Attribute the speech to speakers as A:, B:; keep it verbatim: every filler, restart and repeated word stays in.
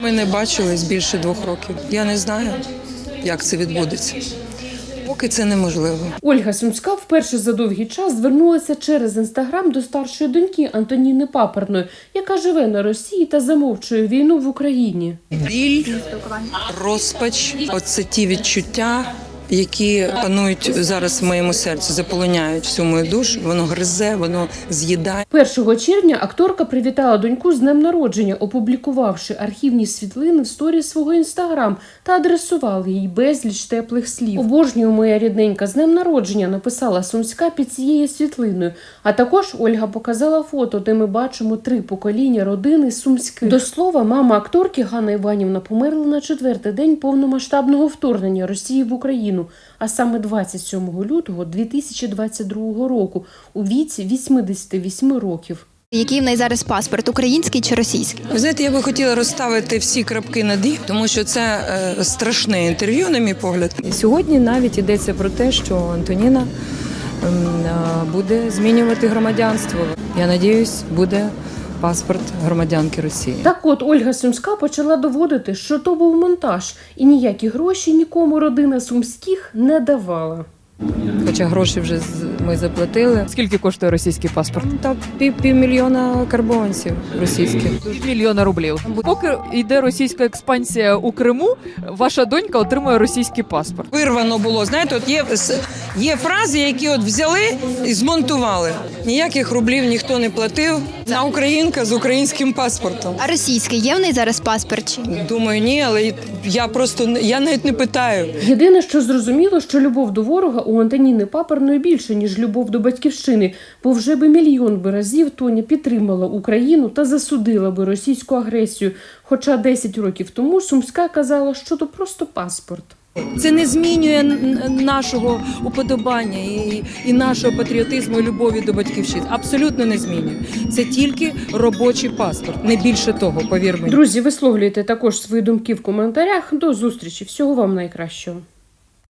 A: Ми не бачились більше двох років. Я не знаю, як це відбудеться. Поки це неможливо.
B: Ольга Сумська вперше за довгий час звернулася через Інстаграм до старшої доньки Антоніни Паперної, яка живе на Росії та замовчує війну в Україні.
A: Біль, розпач – оце ті відчуття, які панують зараз в моєму серці, заполоняють всю мою душу, воно гризе, воно з'їдає.
B: першого червня акторка привітала доньку з днем народження, опублікувавши архівні світлини в сторі свого інстаграм та адресувала їй безліч теплих слів. «Обожнюю, моя рідненька, з днем народження», написала Сумська під цією світлиною. А також Ольга показала фото, де ми бачимо три покоління родини Сумських. До слова, мама акторки Ганна Іванівна померла на четвертий день повномасштабного вторгнення Росії в Україну, а саме двадцять сьомого лютого дві тисячі двадцять другого року, у віці вісімдесят вісім років.
C: Який в неї зараз паспорт, український чи російський?
A: Ви знаєте, я би хотіла розставити всі крапки над «і», тому що це е, страшне інтерв'ю, на мій погляд.
D: Сьогодні навіть йдеться про те, що Антоніна ем, е, буде змінювати громадянство. Я сподіваюся, буде паспорт громадянки Росії.
B: Так от Ольга Сумська почала доводити, що то був монтаж, і ніякі гроші нікому родина Сумських не давала.
D: Хоча гроші вже з- ми заплатили.
E: Скільки коштує російський паспорт?
D: Та пів, півмільйона карбованців російських.
E: Мільйона рублів. Поки йде російська експансія у Криму, ваша донька отримує російський паспорт.
A: Вирвано було, знаєте, от є, є фрази, які от взяли і змонтували. Ніяких рублів ніхто не платив. На українка з українським паспортом.
C: А російський є в неї зараз паспорт? Чи?
A: Думаю, ні, але я просто, я навіть не питаю.
B: Єдине, що зрозуміло, що любов до ворога у Антоніни Паперної більше, ніж любов до батьківщини, бо вже би мільйон би разів Тоня підтримала Україну та засудила би російську агресію. Хоча десять років тому Сумська казала, що то просто паспорт.
D: Це не змінює н- нашого уподобання і, і нашого патріотизму і любові до батьківщини. Абсолютно не змінює. Це тільки робочий паспорт, не більше того, повір мені.
B: Друзі, висловлюйте також свої думки в коментарях. До зустрічі. Всього вам найкращого.